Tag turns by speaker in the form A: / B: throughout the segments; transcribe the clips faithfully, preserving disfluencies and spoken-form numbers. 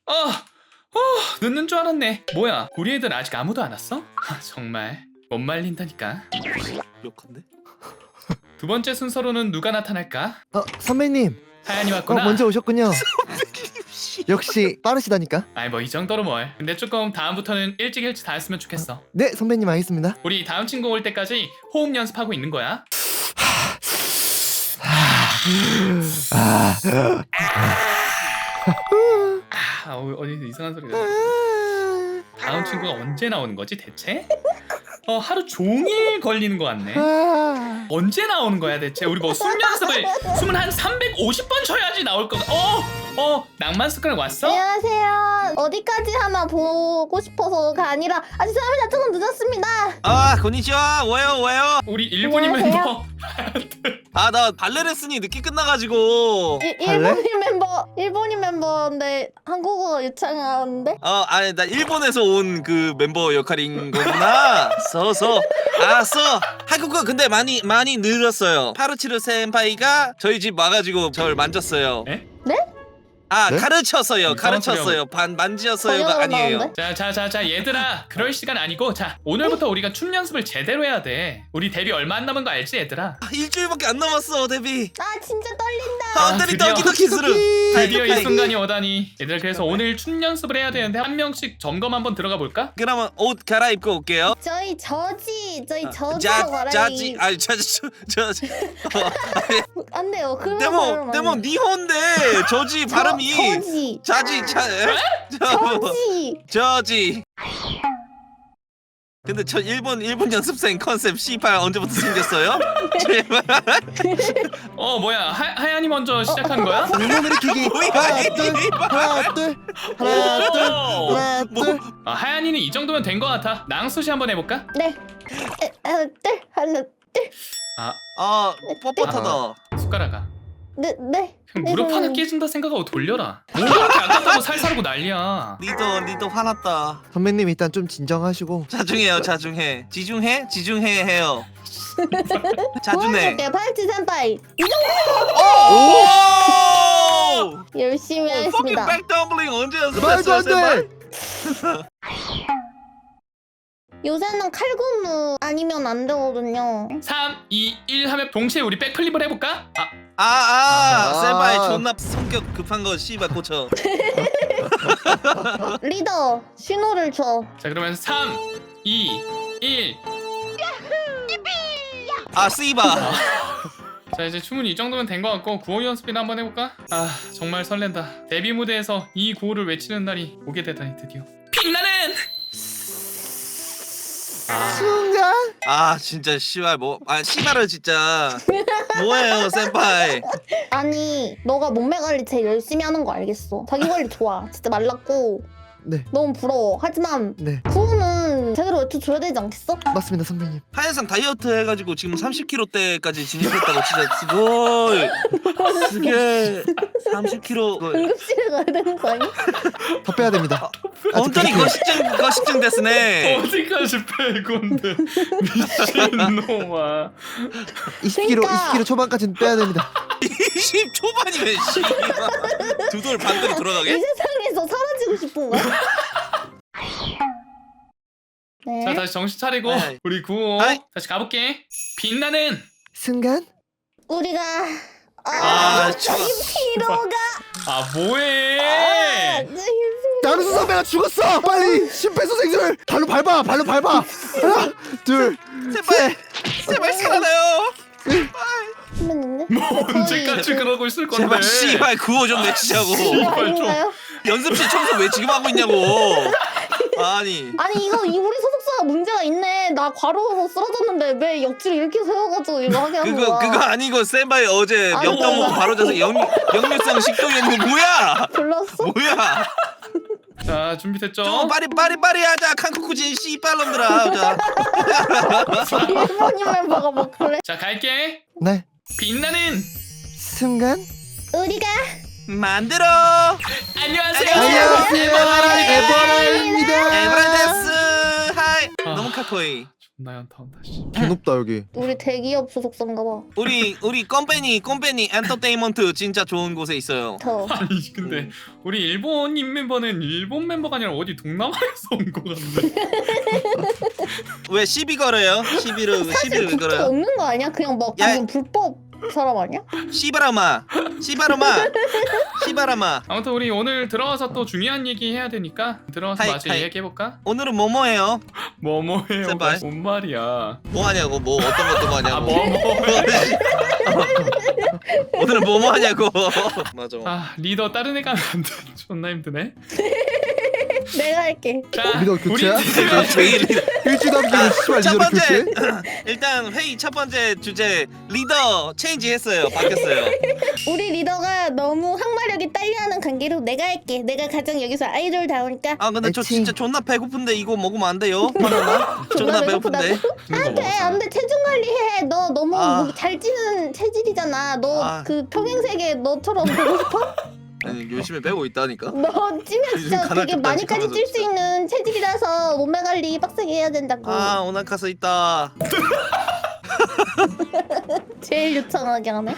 A: 어, 어, 늦는 줄 알았네. 뭐야, 우리 애들 아직 아무도 안 왔어? 하, 정말 못 말린다니까.
B: 욕한데?
A: 두 번째 순서로는 누가 나타날까?
C: 어, 선배님.
A: 하얀이
C: 어,
A: 왔구나.
C: 먼저 오셨군요. 역시 빠르시다니까.
A: 아이 뭐 이 정도로 뭘. 근데 조금 다음부터는 일찍 일찍 다 했으면 좋겠어.
C: 네, 선배님 알겠습니다.
A: 우리 다음 친구 올 때까지 호흡 연습하고 있는 거야.
C: 아,
A: 아, 어, 어디서 이상한 소리가. 다음 친구가 언제 나오는 거지 대체? 어, 하루 종일 걸리는 거 같네.
C: 아,
A: 언제 나오는 거야 대체? 우리 뭐 숨 연습을 숨을 한 삼백오십 번 쉬어야지 나올 거다. 어, 어, 낭만 습관 왔어?
D: 안녕하세요. 어디까지 하나 보고 싶어서가 아니라 아 죄송합니다. 조금 늦었습니다.
B: 아 건니치와 뭐예요 뭐예요?
A: 우리 일본인
D: 안녕하세요.
A: 멤버.
B: 아 나 발레 레슨이 늦게 끝나가지고
D: 일,
C: 할래?
D: 일본인 멤버 일본인 멤버인데 한국어 유창한데?
B: 어 아니 나 일본에서 온 그 멤버 역할인 거구나. 서서 알았어. 한국어 근데 많이 많이 늘었어요. 파르치르 센파이가 저희 집 와가지고 저를 만졌어요.
A: 에?
D: 네?
B: 아
C: 네?
B: 가르쳤어요.
A: 이상한
B: 가르쳤어요. 반 만지었어요가
D: 번역으로
B: 아니에요.
D: 나오는데?
A: 자, 자, 자, 자, 얘들아, 그럴 시간 아니고, 자, 오늘부터 우리가 춤 연습을 제대로 해야 돼. 우리 데뷔 얼마 안 남은 거 알지, 얘들아?
B: 아, 일주일밖에 안 남았어 데뷔.
D: 아 진짜 떨린다.
B: 아,
A: 아,
B: 때리
A: 드디어.
B: 떡이 떡이 스르.
A: 드디어 이 순간이 오다니. 얘들 그래서 오늘 춤 연습을 해야 되는데 한 명씩 점검 한번 들어가 볼까?
B: 그러면 옷 갈아입고 올게요.
D: 저희 저지 저희 저지로
B: 자
D: 말하기
B: 자지 아니 자지 저지.
D: 안 돼요. 그러면
B: 데모
D: 발음 안
B: 데모
D: 돼요.
B: 니혼데 저지
D: 저-
B: 발음이
D: 저지
B: 자지 자 에? 저
D: 저지
B: 저지. 근데 저 일본 일본 연습생 컨셉 씨팔 언제부터 생겼어요? 제발.
A: 어, 뭐야, 하, 하얀이 먼저 시작한 거야?
C: 응원 일으키기.
B: 뭐야,
C: 하나,
B: 이
C: 둘, 하나, 둘, 하나, 둘,
A: 오!
C: 하나,
B: 뭐?
C: 둘.
A: 아, 하얀이는 이 정도면 된 거 같아. 낭수시 한번 해볼까?
D: 네. 에, 하나 둘 하나
A: 아,
B: 아 뻣뻣하다.
A: 숟가락아.
D: 네 네.
A: 그냥 무릎 하나 깨진다 생각하고 돌려라. 뭐 이렇게 아깝다고 살살하고 난리야.
B: 리더 리더 화났다.
C: 선배님 일단 좀 진정하시고.
B: 자중해요 자중해. 지중해 지중해 해요. 자중해.
D: 도와줄게요 파이트 센파이.
B: 오!
D: 열심히
B: 퍼킹
D: 하겠습니다.
B: 백덤블링 언제
C: 말도
B: 연습했어요?
C: 안
B: 제발?
C: 돼.
D: 요새는 칼군무 아니면 안 되거든요.
A: 삼, 이, 일 하면 동시에 우리 백플립을 해볼까? 아,
B: 아아
C: 아.
B: 세바이 존나 성격 급한 거 씨발 고쳐.
D: 리더 신호를 줘.
A: 자, 그러면 삼, 이, 일.
B: 아 씨바.
A: 자, 이제 춤은 이 정도면 된 것 같고 구호 연습이나 한번 해볼까? 아, 정말 설렌다. 데뷔 무대에서 이 구호를 외치는 날이 오게 되다니 드디어. 빛나는!
C: 순간.
B: 아 진짜 씨발 뭐아 씨발을 진짜 뭐예요 센파이.
D: 아니 너가 몸매 관리 제일 열심히 하는 거 알겠어. 자기 관리 좋아. 진짜 말랐고
C: 네,
D: 너무 부러워. 하지만
C: 네,
D: 구호는 제대로 외쳐줘야 되지 않겠어?
C: 맞습니다, 선배님.
B: 하얀상 다이어트 해가지고 지금 삼십 킬로대까지 진입했다고 진짜 스고이 그게 삼십 킬로
D: 응급실에 가야 되는 거 아니야?
C: 더 빼야 됩니다. 아직
B: 온전히
C: 그렇게-
B: 거식증 거식증 됐으네.
A: 어디까지 뺄 건데 미친놈아.
C: 이십 킬로그램,
D: 그러니까.
C: 이십 킬로그램 초반까지는 빼야 됩니다.
B: 이십 초반이면 씨발 두돌 반대로
D: 이
B: 돌아가게?
D: 세상에서 사라지고 싶은 거야? 네.
A: 자, 다시 정신 차리고
B: 아이.
A: 우리 구호
B: 아이.
A: 다시 가볼게. 빛나는!
C: 순간.
D: 우리가 아,
B: 아, 좋아.
D: 피로가
A: 아,
D: 아,
A: 뭐해?
D: 네,
C: 나루수 선배가 죽었어. 빨리 심폐소생술 발로 밟아, 발로 밟아. 하나, 둘,
B: 제발 제발 살아나요.
D: 선배님네?
A: 뭐 언제까지 그러고 있을 건데?
B: 제발 씨발 구호 좀 외치자고.
A: 씨발 좀.
D: 아닌가요?
B: 연습실 청소 왜 지금 하고 있냐고. 아니
D: 아니 이거 이 우리 소속사가 문제가 있네. 나 과로로 쓰러졌는데 왜 역지를 이렇게 세워가지고 이거 하게 한
B: 그거
D: 거야?
B: 그거 아니고 센바이 어제
D: 아이고.
B: 엽떡 먹고 바로 자서 역 역류성 식도염 뭐야?
D: 불렀어?
B: 뭐야?
A: 자, 준비됐죠?
B: 좀 빠리 빠리 빠리 하자 칸쿠쿠진 씨발놈들아. 자.
D: 일본인 멤버가 뭐 그래?
A: 자, 갈게.
C: 네.
A: 빛나는!
C: 순간.
D: 우리가
B: 만들어.
A: 안녕하세요.
C: 안녕하세요, 에버라입니다.
B: 에브라데스 하이.
A: 아.
B: 너무 카코이.
A: 존나 연타 온다 씨.
C: 개 높다 여기.
D: 우리 대기업 소속사인가 봐.
B: 우리 우리 컴퍼니 컴퍼니 엔터테인먼트 진짜 좋은 곳에 있어요.
D: 저.
A: 아니 근데 우리 일본인 멤버는 일본 멤버가 아니라 어디 동남아에서 온 거 같은데.
B: 왜 시비 걸어요? 시비를
D: 사실
B: 시비를 왜
D: 국적
B: 걸어요?
D: 없는 거 아니야? 그냥 막
B: 야.
D: 방금 불법 사람 아니야?
B: 시바라마 시바라마 시바라마.
A: 아무튼 우리 오늘 들어가서 또 중요한 얘기 해야 되니까 들어가서
B: 하이,
A: 마저
B: 하이.
A: 얘기해볼까?
B: 오늘은 뭐뭐해요?
A: 뭐뭐해요?
B: 제발.
A: 뭔 말이야?
B: 뭐 하냐고 뭐 어떤 것도 뭐
A: 아
B: 하냐고.
A: 뭐뭐.
B: 오늘은 뭐뭐 하냐고. 맞아.
A: 아 리더 다른 애가 안 돼. 존나 힘드네.
D: 내가 할게.
A: 자,
C: 리더 교체야?
A: 우리 팀은
B: 회의
C: 일주일 남기고 씨발
B: 첫
C: 리더를
B: 번째
C: 교체?
B: 일단 회의 첫 번째 주제 리더 체인지 했어요. 바뀌었어요.
D: 우리 리더가 너무 항마력이 딸려하는 관계로 내가 할게. 내가 가장 여기서 아이돌다우니까.
B: 아 근데 저
C: 애칭.
B: 진짜 존나 배고픈데 이거 먹으면 안 돼요? 바나나? 존나 배고픈데.
D: 안돼 안돼 체중 관리해. 너 너무
B: 아.
D: 잘 찌는 체질이잖아. 너
B: 아.
D: 그 평행세계 너처럼 보고 싶어?
B: 아니 열심히 빼고 있다니까.
D: 너 찌면
B: 요즘
D: 진짜
B: 간헐적
D: 되게 많이까지
B: 단식하면서
D: 찔 수
B: 진짜.
D: 있는 체질이라서 몸매 관리 빡세게 해야 된다고.
B: 아 오나카스 있다.
D: 제일 유창하게 하네.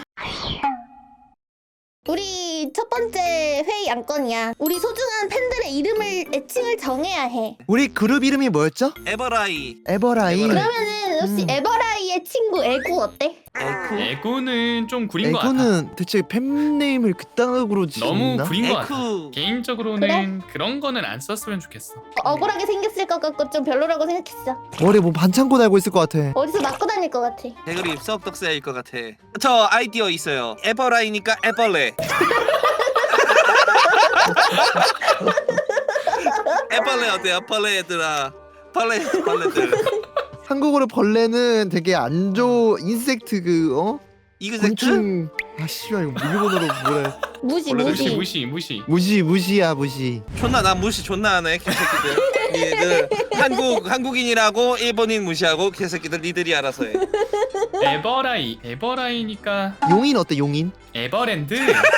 D: 우리 첫 번째 회의 안건이야. 우리 소중한 팬들의 이름을 애칭을 정해야 해.
C: 우리 그룹 이름이 뭐였죠?
B: 에버라이.
C: 에버라인.
B: 에버라인.
D: 그러면은 혹시
C: 음.
D: 에버라이의 친구 에구 어때?
B: 에쿠.
A: 에고는 좀 구린 거 같아.
C: 에고는 대체 팬네임을 그따구로 지었나?
A: 너무 구린 거 같아.
B: 에쿠.
A: 개인적으로는 그런 거는 안 썼으면 좋겠어.
D: 억울하게 생겼을 것 같고 좀 별로라고 생각했어.
C: 머리에 뭐 반창고 달고 있을 것 같아.
D: 어디서 맞고 다닐 것 같아.
B: 대가리 썩덕새일 것 같아. 저 아이디어 있어요. 에버라이니까 에벌레. 에벌레 어때요? 벌레 얘들아. 벌레 벌레들.
C: 한국어로 벌레는 되게 안 좋은 인섹트 그 어?
B: 이그젝트?
C: 곤충. 아 씨발 이거 일본어로 뭐래?
D: 무시
B: 원래
A: 무시
D: 무시.
A: 무시 무시.
C: 무시 무시야 무시.
B: 존나 나 무시 존나 하네 개새끼들. 니들 한국 한국인이라고 일본인 무시하고 개새끼들 니들이 알아서 해.
A: 에버라이 에버라이니까
C: 용인 어때 용인?
A: 에버랜드.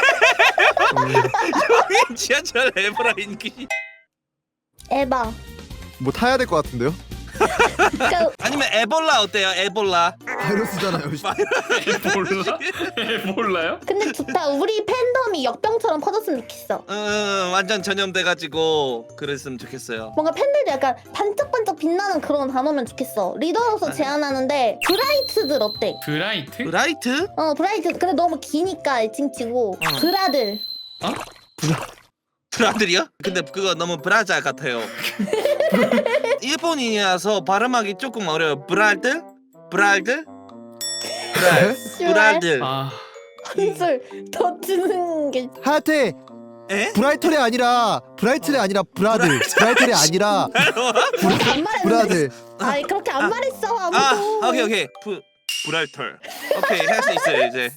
B: 지하철 에버라인기.
D: 에바.
C: 뭐 타야 될 것 같은데요?
D: 그러니까
B: 아니면 에볼라 어때요? 에볼라.
C: 바이러스잖아요.
A: 에볼라? 에볼라요?
D: 근데 좋다. 우리 팬덤이 역병처럼 퍼졌으면 좋겠어.
B: 음 완전 전염돼가지고 그랬으면 좋겠어요.
D: 뭔가 팬들도 약간 반짝반짝 빛나는 그런 단어면 좋겠어. 리더로서 제안하는데 브라이트들 어때?
A: 브라이트?
B: 브라이트?
D: 어 브라이트. 근데 너무 기니까 애칭치고
B: 어.
D: 브라들.
B: 브라들이요? 근데 그거 너무 브라자 같아요. 일본인이라서 발음하기 조금 어려요. 브랄들? 브랄들? 브랄. 브랄들.
A: 아
D: 한술 더 주는 게.
C: 하여튼
B: 에?
C: 브라이털이 아니라 브라이틀이 아니라 브라들. 브라이틀이 아니라
D: 안 말했는데.
C: 브라들.
D: 아니 그렇게 안 말했어 아무도.
B: 아 오케이 오케이. 브 브랄털. 오케이 할 수 있어요 이제.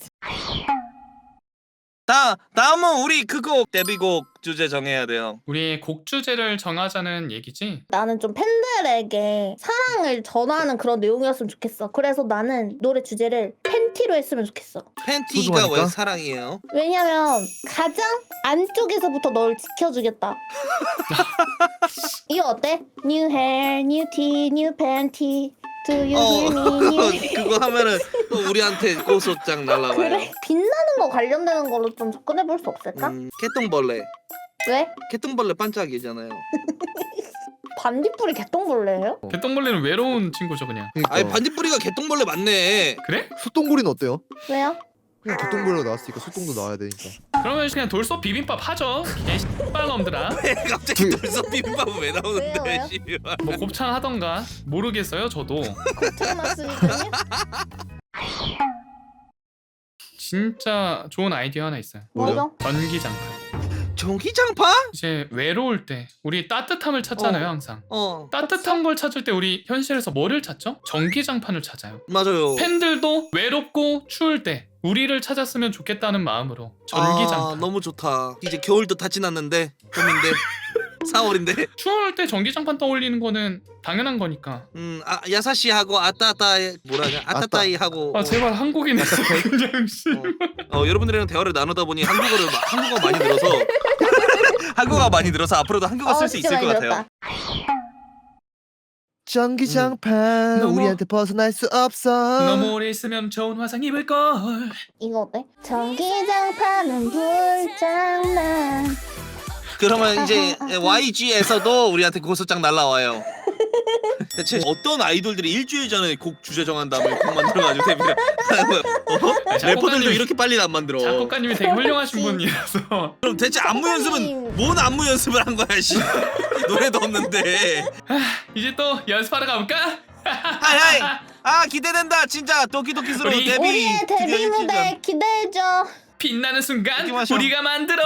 B: 다 다음은 우리 그곡 데뷔곡 주제 정해야 돼요.
A: 우리 곡 주제를 정하자는 얘기지?
D: 나는 좀 팬들에게 사랑을 전하는 그런 내용이었으면 좋겠어. 그래서 나는 노래 주제를 팬티로 했으면 좋겠어.
B: 팬티가
C: 소중하니까?
B: 왜 사랑이에요?
D: 왜냐면 가장 안쪽에서부터 널 지켜주겠다. 이거 어때? New hair, new tea, new panty. Do you
B: 어
D: hear me? New...
B: 그거 하면은 또 우리한테 고소장 날라와요.
D: 그래? 빛나는 거 관련되는 걸로 좀 접근해 볼 수 없을까?
B: 음, 개똥벌레.
D: 왜?
B: 개똥벌레 반짝이잖아요.
D: 반딧불이 개똥벌레예요?
A: 개똥벌레는 외로운 친구죠 그냥.
C: 그러니까.
B: 아니 반딧불이가 개똥벌레 맞네.
A: 그래?
C: 소똥구리는 어때요?
D: 왜요?
C: 그냥 개똥구리로 나왔으니까 소똥도 나와야 되니까.
A: 그러면 그냥 돌솥 비빔밥 하죠. 개씨발놈들아.
B: 갑자기
C: 그-
B: 돌솥 비빔밥은 왜 나오는데?
D: 왜요, 왜요?
B: 씨발.
A: 뭐 곱창 하던가 모르겠어요 저도.
D: 곱창 맛술이거든요?
A: 진짜 좋은 아이디어 하나 있어요.
D: 뭐죠?
A: 전기장판.
B: 전기장판?
A: 이제 외로울 때 우리 따뜻함을 찾잖아요
B: 어.
A: 항상.
B: 어
A: 따뜻한 걸 찾을 때 우리 현실에서 뭐를 찾죠? 전기장판을 찾아요.
B: 맞아요.
A: 팬들도 외롭고 추울 때 우리를 찾았으면 좋겠다는 마음으로
B: 아,
A: 전기장판.
B: 너무 좋다. 이제 겨울도 다 지났는데 봄인데 사월인데.
A: 추울 때 전기장판 떠올리는 거는 당연한 거니까.
B: 음, 아, 야사시하고 아따따이 뭐라냐? 아따따이하고.
A: 아 제발 한국인에서 그냥 씨.
B: 어, 어, 여러분들이랑 대화를 나누다 보니 한국어를 마- 한국어 많이 늘어서 한국어가 많이 늘어서 앞으로도 한국어 쓸 수
D: 진짜
B: 있을 것
D: 많이
B: 같아요.
D: 들었다.
C: 전기장판
A: 너무-
C: 우리한테 벗어날 수 없어.
A: 너무 오래 있으면 좋은 화상 입을 걸.
D: 이거 어때? 전기장판은 불장난.
B: 그러면 이제 와이지에서도 우리한테 고소장 날라와요. 대체 어떤 아이돌들이 일주일 전에 곡 주제 정한 다음에 곡 만들어가지고 데뷔를 하는 거야? 어? 래퍼들도 이렇게 빨리 안 만들어.
A: 작곡가님이 되게 훌륭하신
D: 그치.
A: 분이라서.
B: 그럼 대체 안무 연습은 뭔 안무 연습을 한 거야, 씨. 노래도 없는데.
A: 이제 또 연습하러 가볼까?
B: 하이 하이. 아 기대된다 진짜 도키도키스로
A: 우리-
B: 데뷔.
D: 우리의
B: 드디어
D: 데뷔
B: 일주일
D: 무대
B: 전.
D: 기대해줘.
A: 빛나는 순간
B: 파이팅 하셔.
A: 우리가 만들어.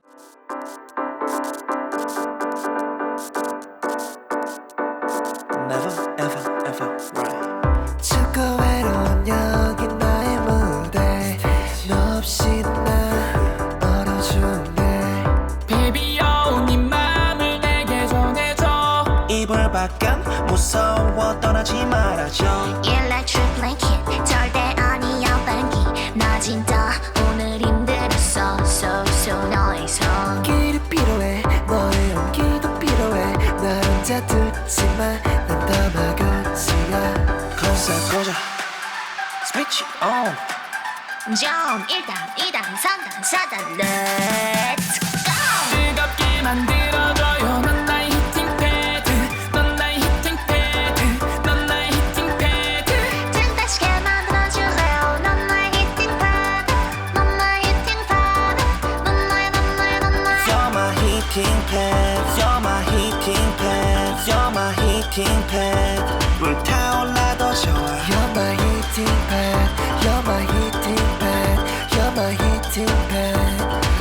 B: Never ever ever right.
C: 춥고 외로운 여기 나의 무대 너 없이 나 멀어지네.
A: 베비여 네 맘을 내게 전해줘.
E: 이불 밖은 무서워 떠나지 말아줘.
F: Electric blanket 절대 아니야 반기 낮은 다 오늘 힘들었어 so so noise
C: 길이 필요해 너의 온기도 필요해 나 혼자 듣지만 난 더 마구지야.
E: 컨셉 보자. Switch on.
F: 좀 일단 이단 삼단 사단 Let's go
A: 뜨겁게 만들어줘요. 넌 나의 히팅 패드. 넌 나의 히팅 패드. 넌 나의 히팅 패드.
F: 든든하게 만들어줄래요 넌 나의 히팅 패드 넌 나의 히팅 패드 넌 나의 넌 나의 넌 나의
E: You're my heating pad. You're my heating pad. You're my heating pad. 불타올라도 좋아.
C: You're my heating pad. You're my heating pad. You're my heating pad.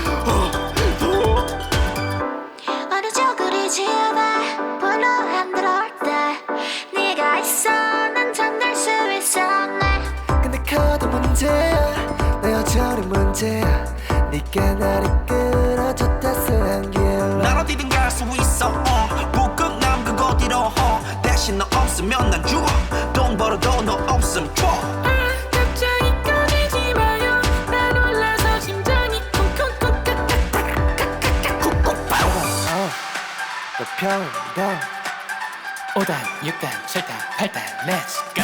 F: 어느저 그리 집에 불러 흔들어 때 네가 있어 난 잠들 수 있었네
C: 근데 커도 문제야 내 여전히 문제야 네가 나를 끌어줬다스 한길
E: 난 어디든 갈 수 있어. 어. 북극 남극 어디로 어. 대신 너 없으면 난 죽어. 돈 벌어도 너 없음 줘.
A: 갑자기 꺼내지 마요. 나 놀라서 심장이 쿵쿵쿵
C: 너 편한다.
A: 오단, 육단, 칠단, 팔단, 렛츠 고!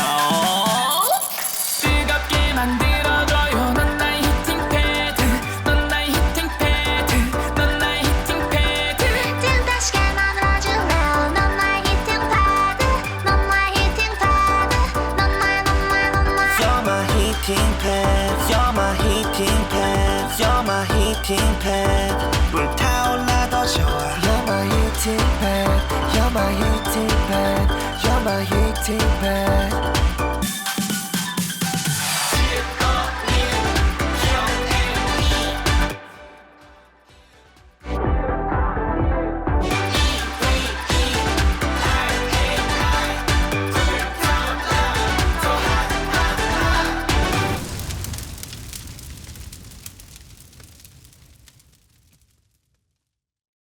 A: 뜨겁게 만들어줘요. 넌 나의 히팅 패드. 넌 나의 히팅 패드. 넌 나의 히팅 패드.
F: 든든하게 만들어줄래요 넌 나의 히팅 패드 넌 나의 히팅 패드 넌 나의 넌 나의 넌 나의
E: You're my heating pad. You're my heating pad. You're my heating pad. 불타올라도 좋아.
C: You're my heating pad. You're my heating pad. You're my heating pad.